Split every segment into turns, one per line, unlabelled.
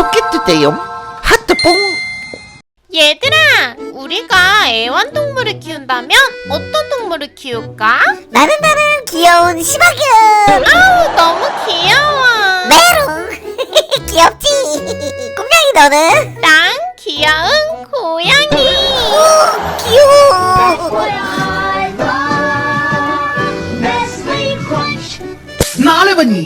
구독해주세요. 하트뽕.
얘들아, 우리가 애완동물을 키운다면 어떤 동물을 키울까?
나는 귀여운 시바견.
아우, 너무 귀여워.
메롱. 귀엽지. 꿈냥이 너는?
난 귀여운 고양이.
오, 귀여워.
나래바니.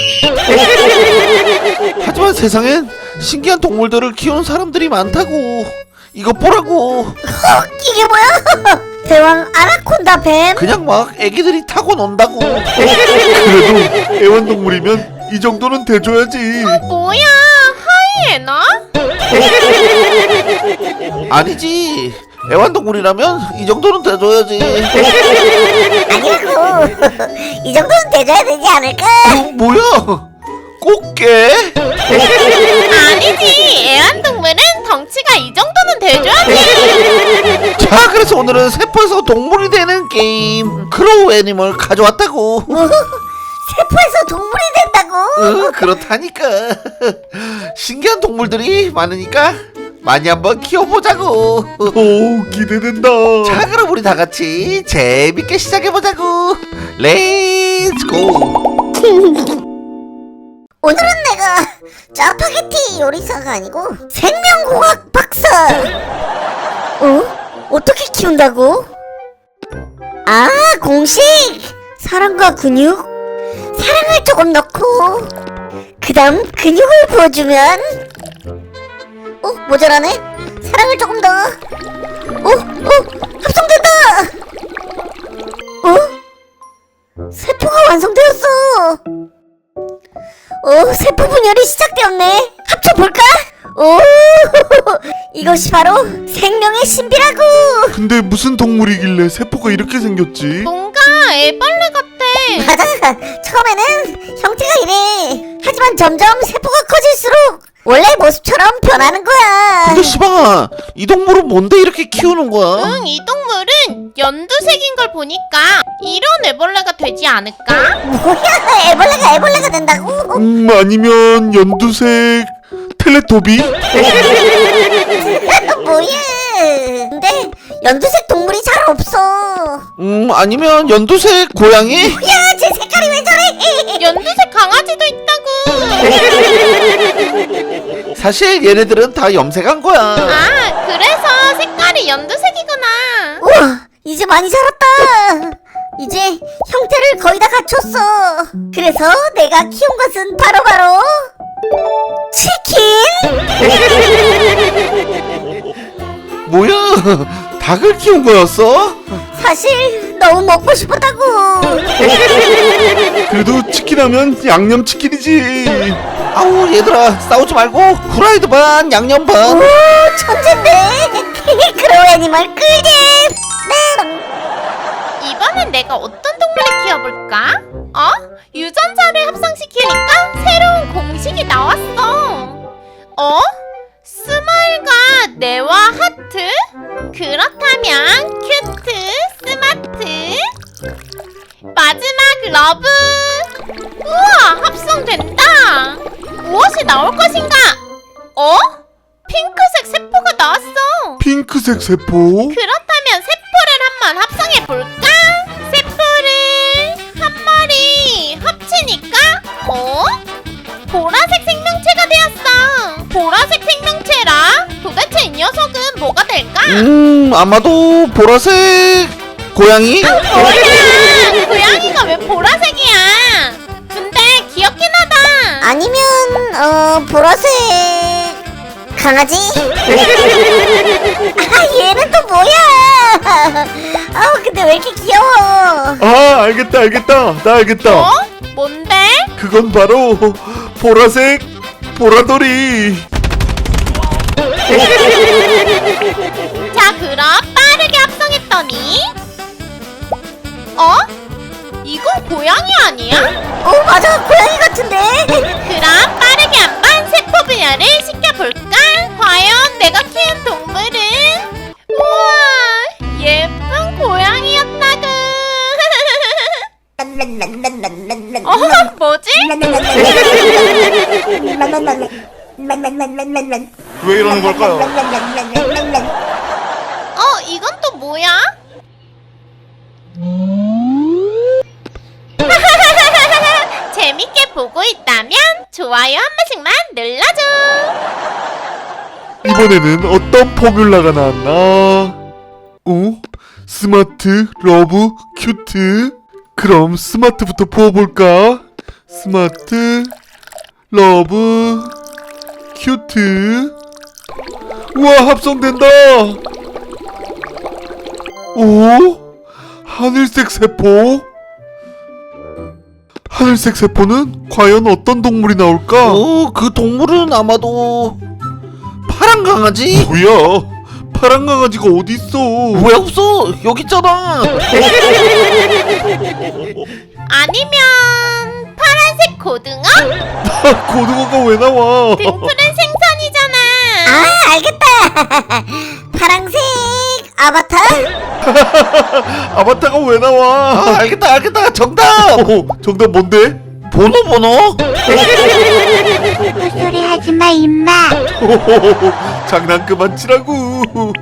하지만 세상엔 신기한 동물들을 키우는 사람들이 많다고. 이거 보라고.
이게 뭐야? 대왕 아나콘다 뱀.
그냥 막 애기들이 타고 논다고.
그래도 애완동물이면 이 정도는 돼줘야지.
뭐야, 하이에나?
아니지. 애완동물이라면 이 정도는 돼줘야지.
아니라고. 이 정도는 돼줘야 되지 않을까?
뭐야? 꽃게?
아니지, 애완동물은 덩치가 이 정도는 돼줘야지.
자, 그래서 오늘은 세포에서 동물이 되는 게임 크로우 애니멀 가져왔다고.
세포에서 동물이 된다고?
그렇다니까. 신기한 동물들이 많으니까 많이 한번 키워보자고.
오, 기대된다.
자, 그럼 우리 다 같이 재밌게 시작해보자고. 렛츠고.
오늘은 내가 짜파게티 요리사가 아니고 생명공학 박사. 어떻게 키운다고? 아, 공식. 사랑과 근육. 사랑을 조금 넣고 그 다음 근육을 부어주면 모자라네. 사랑을 조금 더. 합성된다. 세포가 완성되었어. 세포 분열이 시작되었네. 합쳐볼까? 이것이 바로 생명의 신비라고.
근데 무슨 동물이길래 세포가 이렇게 생겼지?
뭔가 애벌레 같아.
맞아. 처음에는 형태가 이래. 하지만 점점 세포가 커질수록 원래 모습처럼 변하는 거야.
근데 시방아, 이 동물은 뭔데 이렇게 키우는 거야?
응, 이 동물은 연두색인 걸 보니까 이런 애벌레가 되지 않을까?
뭐야, 애벌레가 된다고?
아니면 연두색 텔레토비?
뭐야. 근데 연두색 동물이 잘 없어.
아니면 연두색 고양이?
야, 제 색깔이 왜 저래?
연두색 강아지도 있다고.
사실 얘네들은 다 염색한 거야.
아, 그래서 색깔이 연두색이구나.
우와, 이제 많이 자랐다. 이제 형태를 거의 다 갖췄어. 그래서 내가 키운 것은 바로 치킨.
뭐야? 닭을 키운 거였어?
사실 너무 먹고 싶었다고.
그래도 치킨하면 양념치킨이지.
아우, 얘들아, 싸우지 말고 후라이드 반 양념 반.
오, 천재인데. 그로우 애니멀 꿀잼. 네.
이번엔 내가 어떤 동물을 키워볼까? 유전자를 합성시키니까 새로운 공식이 나왔어. 스마일과 뇌와 하트? 그렇다면 큐트, 스마트, 마지막 러브. 우와, 합성된다. 무엇이 나올 것인가? 핑크색 세포가 나왔어.
핑크색 세포?
그렇다면 세포를 한번 합성해볼까? 세포를 한 마리 합치니까 보라색 생명체가 되었어. 보라색 생명체라 도대체 이 녀석은 뭐가 될까?
아마도 보라색 고양이?
뭐야, 고양이가 왜 보라색이야? 근데 귀엽긴 하다.
아니면 보라색 강아지? 얘는 또 뭐야? 근데 왜 이렇게 귀여워?
아, 알겠다. 나 알겠다.
뭔데?
그건 바로 보라색 보라돌이.
자, 그럼 빠르게 합성했더니 이건 고양이 아니야?
맞아, 고양이 같은데.
그럼 빠르게 한번 세포 분열을 시켜볼까? 과연 내가 키운 동물은? 우와, 예쁜 고양이였다구.
뭐지?
왜 이러는 걸까요?
이건 또 뭐야? 재밌게 보고 있다면 좋아요 한 번씩만 눌러줘.
이번에는 어떤 포뮬라가 나왔나? 스마트, 러브, 큐트. 그럼 스마트부터 부어볼까? 스마트, 러브, 큐트. 우와, 합성된다. 오? 하늘색 세포? 하늘색 세포는 과연 어떤 동물이 나올까?
그 동물은 아마도 파란 강아지?
뭐야? 파란 강아지가 어딨어?
왜 없어? 여기 있잖아.
아니면 파란색 고등어?
고등어가 왜 나와?
등푸른 생선이잖아.
아, 알겠다. 파랑색 아바타?
아바타가 왜 나와?
알겠다. 정답.
정답 뭔데?
번호.
소리 하지마 임마.
장난 그만 치라고.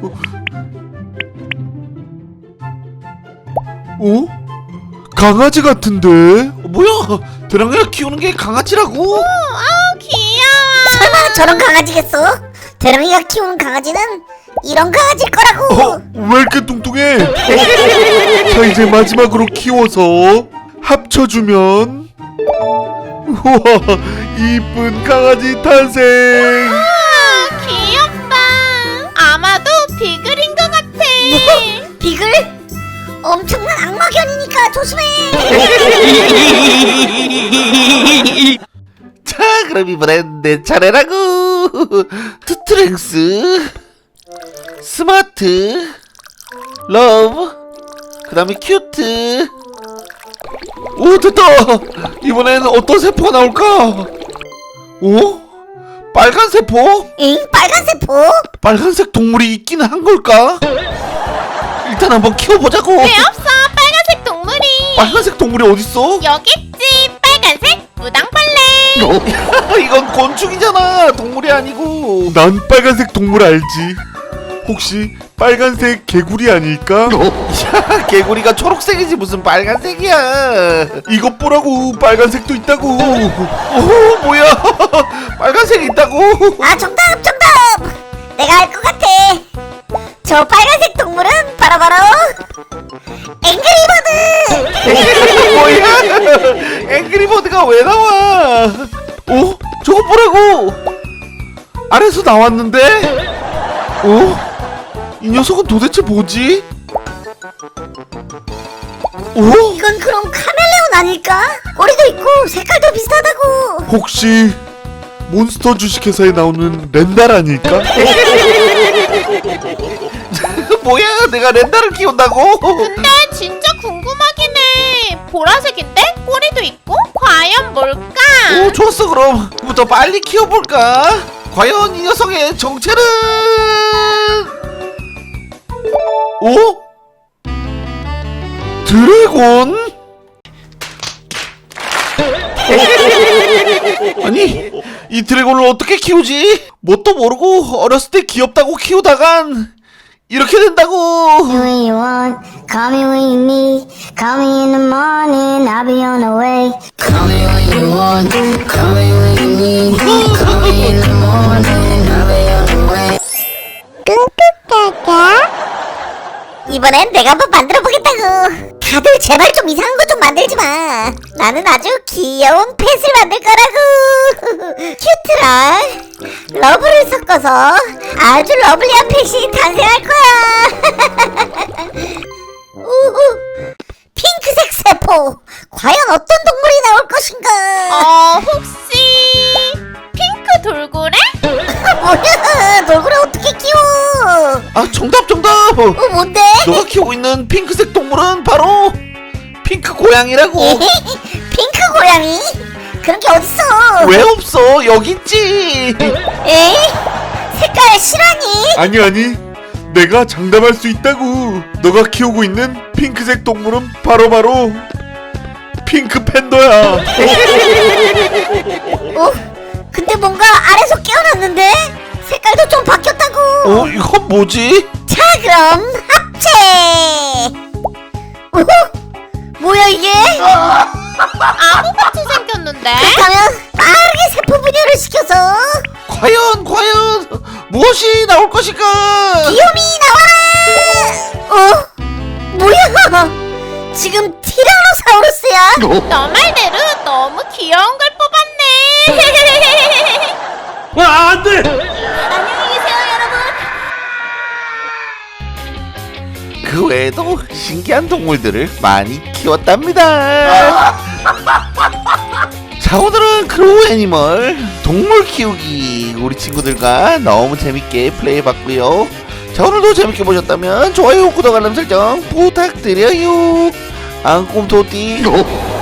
강아지 같은데?
뭐야? 드랑이가 키우는 게 강아지라고?
귀여워.
설마 저런 강아지겠어? 대랑이가 키우는 강아지는 이런 강아지일 거라고.
왜 이렇게 뚱뚱해? 자, 이제 마지막으로 키워서 합쳐주면 우와, 이쁜 강아지 탄생.
귀엽다. 아마도 비글인 것 같아.
비글? 엄청난 악마견이니까 조심해.
자, 그럼 이번엔 내 차례라고. 스트렝스, 스마트, 러브, 그 다음에 큐트. 오, 됐다. 이번엔 어떤 세포가 나올까? 빨간 세포?
응? 빨간 세포?
빨간색 동물이 있긴 한 걸까? 일단 한번 키워보자고.
왜 없어? 빨간색 동물이.
빨간색 동물이 어딨어?
여기 있지. 빨간색 무당벌레.
이건 곤충이잖아. 동물이 아니고.
난 빨간색 동물 알지? 혹시 빨간색 개구리 아닐까?
야, 개구리가 초록색이지 무슨 빨간색이야.
이것 보라고, 빨간색도 있다고.
오, 뭐야? 빨간색이 있다고?
아, 정답. 내가 알 것 같아. 저 빨간색 동물은 바로 앵그리버드.
뭐야? 앵그리버드가 왜 나와? 저거 보라고. 아래서 나왔는데? 이 녀석은 도대체 뭐지?
이건 그럼 카멜레온 아닐까? 꼬리도 있고 색깔도 비슷하다고.
혹시 몬스터 주식회사에 나오는 렌달 아닐까?
뭐야? 내가 렌다를 키운다고?
근데 진짜 궁금하긴 해. 보라색인데 꼬리도 있고 과연 뭘까?
좋았어. 그럼 부터 빨리 키워볼까? 과연 이 녀석의 정체는? 드래곤? 아니, 이 드래곤을 어떻게 키우지? 뭣도 모르고 어렸을 때 귀엽다고 키우다간 이렇게 된다고.
When you want, call me when you need. Call me in the morning, I'll be on the way. Call me when you want, call me when you need. Call me in the morning, I'll be on the way.
이번엔 내가 한번 만들어보겠다고. 다들 제발 좀 이상한 거 좀 만들지 마. 나는 아주 귀여운 펫을 만들 거라고. 큐트랑 러브를 섞어서 아주 러블리한 펫이 탄생할 거야. 우후, 핑크색 세포. 과연 어떤 동물이 나올 것인가?
혹시 핑크 돌고래?
뭐야, 돌고래 어떻게 키워?
정답.
뭔데?
너가 키우고 있는 핑크색 동물은 바로 핑크 고양이라고.
핑크 고양이? 그런 게 어딨어?
왜 없어? 여기 있지.
에이? 색깔 실화니?
아니, 내가 장담할 수 있다고. 너가 키우고 있는 핑크색 동물은 바로 핑크 팬더야.
근데 뭔가 아래서 깨어났는데? 색깔도 좀 바뀌었다고.
이건 뭐지?
자 그럼 합체. 뭐야 이게?
아무같이 생겼는데?
그렇다면 빠르게 세포 분열을 시켜서
과연 무엇이 나올 것일까?
비욤이 나와라. 뭐야? 지금 티라노사우루스야?
너 말대로 너무 귀여운 걸 뽑았네.
안돼!
안녕히 계세요, 여러분.
그 외에도 신기한 동물들을 많이 키웠답니다. 자, 오늘은 크로우 애니멀 동물 키우기 우리 친구들과 너무 재밌게 플레이해봤고요. 자, 오늘도 재밌게 보셨다면 좋아요, 구독, 알람 설정 부탁드려요. 앙꿈토띠